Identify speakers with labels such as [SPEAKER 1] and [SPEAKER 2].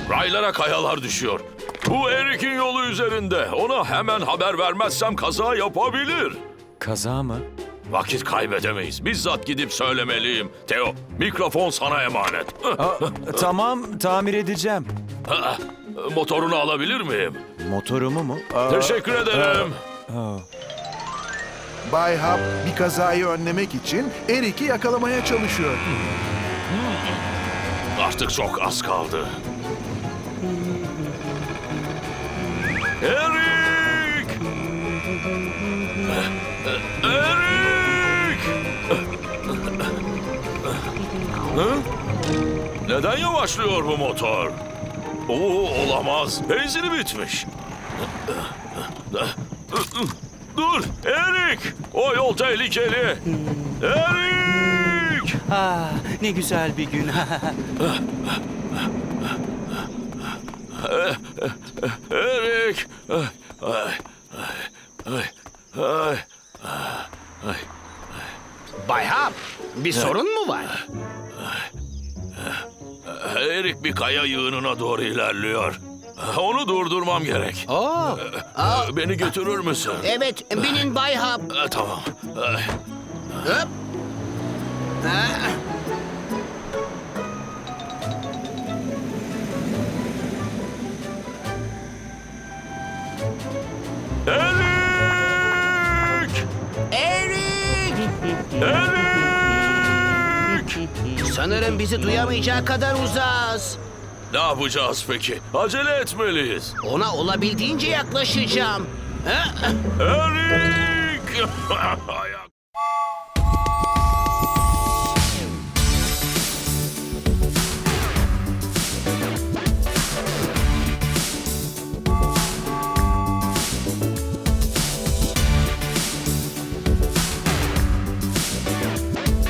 [SPEAKER 1] Raylara kayalar düşüyor. Bu Erik'in yolu üzerinde. Ona hemen haber vermezsem kaza yapabilir.
[SPEAKER 2] Kaza mı?
[SPEAKER 1] Vakit kaybedemeyiz. Bizzat gidip söylemeliyim. Theo, mikrofon sana emanet.
[SPEAKER 2] Tamam, tamir edeceğim.
[SPEAKER 1] Motorunu alabilir miyim?
[SPEAKER 2] Motorumu mu?
[SPEAKER 1] Teşekkür ederim.
[SPEAKER 3] Bay Hap bir kazayı önlemek için Erik'i yakalamaya çalışıyor.
[SPEAKER 1] Artık çok az kaldı. Erik! Erik! Hı? Neden yavaşlıyor bu motor? Olamaz. Benzini bitmiş. Dur! Erik! O yol tehlikeli. Erik!
[SPEAKER 4] Ah, ne güzel bir gün.
[SPEAKER 1] Erik!
[SPEAKER 5] Bay Hap, bir sorun mu var?
[SPEAKER 1] Erik bir kaya yığınına doğru ilerliyor. Onu durdurmam gerek.
[SPEAKER 5] Oo,
[SPEAKER 1] Beni götürür müsün?
[SPEAKER 5] evet, binin Bay Hap.
[SPEAKER 1] Tamam.
[SPEAKER 5] Hop. Ah,
[SPEAKER 1] Erik!
[SPEAKER 5] Erik!
[SPEAKER 1] Erik!
[SPEAKER 5] Sanırım bizi duyamayacağı kadar uzağız.
[SPEAKER 1] Ne yapacağız peki? Acele etmeliyiz.
[SPEAKER 5] Ona olabildiğince yaklaşacağım. Ah,
[SPEAKER 1] Erik! Hay